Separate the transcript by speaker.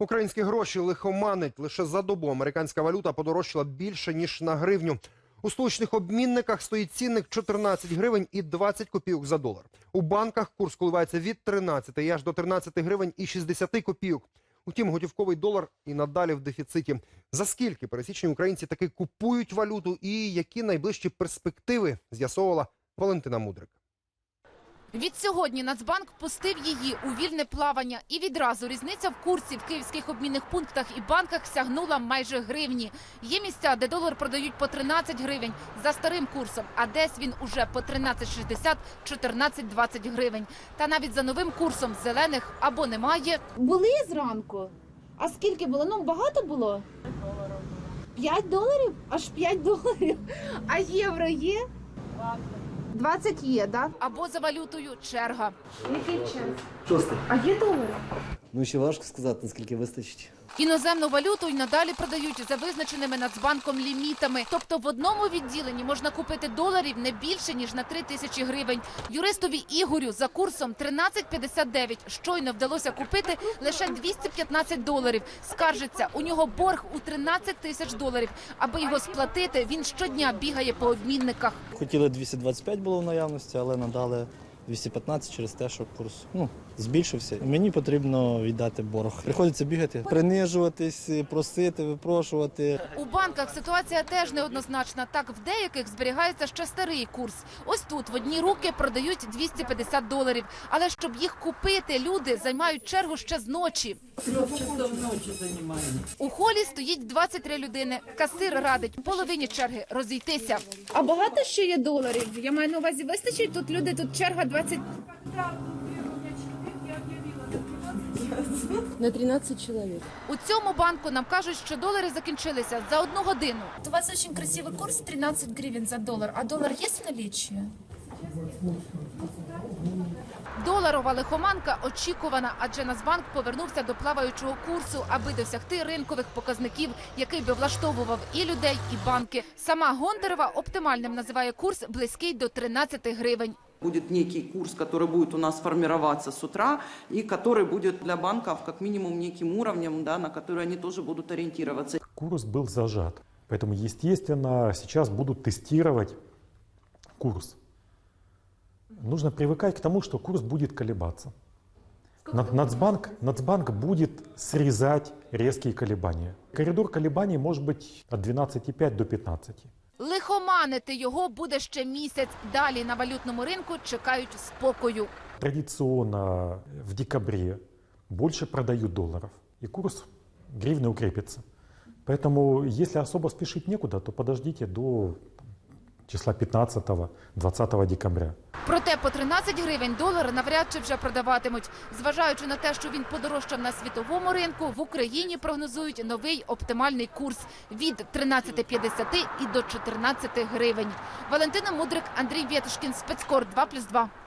Speaker 1: Українські гроші лихоманить. Лише за добу американська валюта подорожчала більше, ніж на гривню. У столичних обмінниках стоїть цінник 14 гривень і 20 копійок за долар. У банках курс коливається від 13 і аж до 13 гривень і 60 копійок. Утім, готівковий долар і надалі в дефіциті. За скільки пересічні українці таки купують валюту і які найближчі перспективи, з'ясовувала Валентина Мудрик.
Speaker 2: Відсьогодні Нацбанк пустив її у вільне плавання. І відразу різниця в курсі в київських обмінних пунктах і банках сягнула майже гривні. Є місця, де долар продають по 13 гривень за старим курсом, а десь він уже по 13,60, 14,20 гривень. Та навіть за новим курсом зелених або немає.
Speaker 3: Були зранку. А скільки було? Ну, багато було? 5 доларів? Аж 5 доларів. А євро є? 20 є, так?
Speaker 2: Або за валютою черга.
Speaker 3: Який час?
Speaker 4: 6.
Speaker 3: А є долари?
Speaker 4: Ну, ще важко сказати, наскільки вистачить.
Speaker 2: Іноземну валюту й надалі продають за визначеними Нацбанком лімітами. Тобто в одному відділенні можна купити доларів не більше, ніж на 3 тисячі гривень. Юристові Ігорю за курсом 13,59 щойно вдалося купити лише 215 доларів. Скаржиться, у нього борг у 13 тисяч доларів. Аби його сплатити, він щодня бігає по обмінниках.
Speaker 5: Хотіли 225 було в наявності, але надали 215 через те, що курс збільшився. Мені потрібно віддати борг. Приходиться бігати, принижуватись, просити, випрошувати.
Speaker 2: У банках ситуація теж неоднозначна. Так, в деяких зберігається ще старий курс. Ось тут в одні руки продають 250 доларів. Але щоб їх купити, люди займають чергу ще з ночі. У холі стоїть 23 людини. Касир радить половині черги розійтися.
Speaker 3: А багато ще є доларів? Я маю на увазі, вистачить тут люди, тут черга 20...
Speaker 6: На 13 человек.
Speaker 2: У цьому банку нам кажуть, що долари закінчилися за 1 годину.
Speaker 7: У вас очень красивый курс 13 гривен за доллар. А доллар есть в наличии?
Speaker 2: Доларова лихоманка очікувана, адже Нацбанк повернувся до плаваючого курсу, аби досягти ринкових показників, який би влаштовував і людей, і банки. Сама Гонтарева оптимальним називає курс близький до 13 гривень.
Speaker 8: Будет некий курс, который будет у нас формироваться с утра, и который будет для банков как минимум неким уровнем, да, на который они тоже будут ориентироваться.
Speaker 9: Курс был зажат, поэтому, естественно, сейчас будут тестировать курс. Нужно привыкать к тому, что курс будет колебаться. Нацбанк будет срезать резкие колебания. Коридор колебаний может быть от 12,5 до 15.
Speaker 2: Лихоманити його буде ще місяць. Далі на валютному ринку чекають спокою.
Speaker 9: Традиционно в декабре больше продают долларов, и курс гривны укрепится. Поэтому, если особо спешить некуда, то подождите до числа 15-20 декабря.
Speaker 2: Проте по 13 гривень долар навряд чи вже продаватимуть. Зважаючи на те, що він подорожчав на світовому ринку, в Україні прогнозують новий оптимальний курс від 13,50 і до 14 гривень. Валентина Мудрик, Андрій Вєтушкін, Спецкор 2+2.